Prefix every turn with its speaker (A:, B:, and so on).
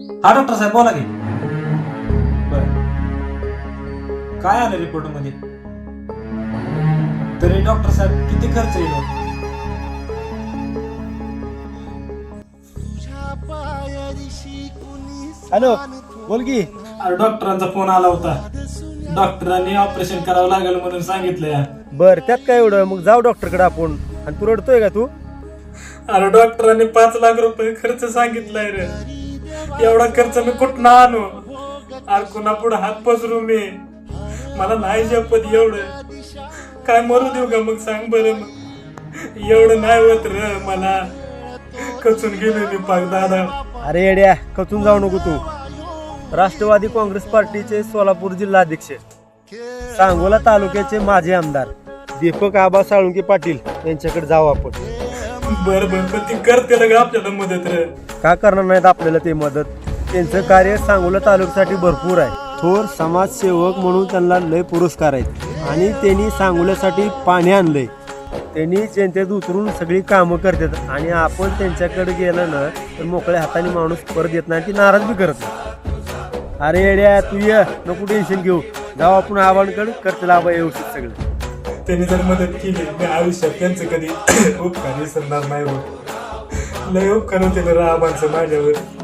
A: हा डॉक्टर साहेब बोला की. बर, काय आलं रिपोर्ट मध्ये? तरी डॉक्टर साहेब किती खर्च येईल?
B: हॅलो, बोल की.
A: अरे डॉक्टरांचा फोन आला होता. डॉक्टरांनी ऑपरेशन करावं लागेल म्हणून सांगितलंय.
B: बर, त्यात काय एवढं, मग जाऊ डॉक्टरकडे आपण. आणि तू रडतोय का तू?
A: अरे डॉक्टरांनी 5 लाख रुपये खर्च सांगितलाय रे. एवढा खर्च मी कुठं आणू? अरे कुणा पुढे हात पसरू मी? मला नाही जपत एवढं. काय मरू देऊ का मग, सांग बरं. मग एवढं नाही होत रे मला. कचून गेलो मी पाक दादा.
B: अरे येड्या, खचून जाऊ नको तू. राष्ट्रवादी काँग्रेस पार्टीचे सोलापूर जिल्हाध्यक्ष, सांगोला तालुक्याचे माजी आमदार दीपक आबा साळुंके पाटील यांच्याकडे जाऊ आपण.
A: बर बर, पण ती करते का आपल्याला मदत रे?
B: का करणार नाहीत आपल्याला ते मदत? त्यांचं कार्य सांगोला तालुक्यासाठी भरपूर आहे. थोर समाजसेवक म्हणून त्यांना लय पुरस्कार आहेत आणि त्यांनी सांगोल्यासाठी पाणी आणलंय. त्यांनी जनतेत उतरून सगळी कामं करतात आणि आपण त्यांच्याकडे गेलं ना तर मोकळ्या हाताने माणूस परत येत नाही, ती नाराज बी करत नाही. अरे येड्या, तू ये, नको टेन्शन घेऊ. जाऊ आपण आबांकडे, करतील आबा व्यवस्थित सगळं.
A: त्यांनी जर मदत केली मी आयुष्यात त्यांचं कधी उपकार विसरणार नाही. लय उपकार होते राबांचं माझ्यावर.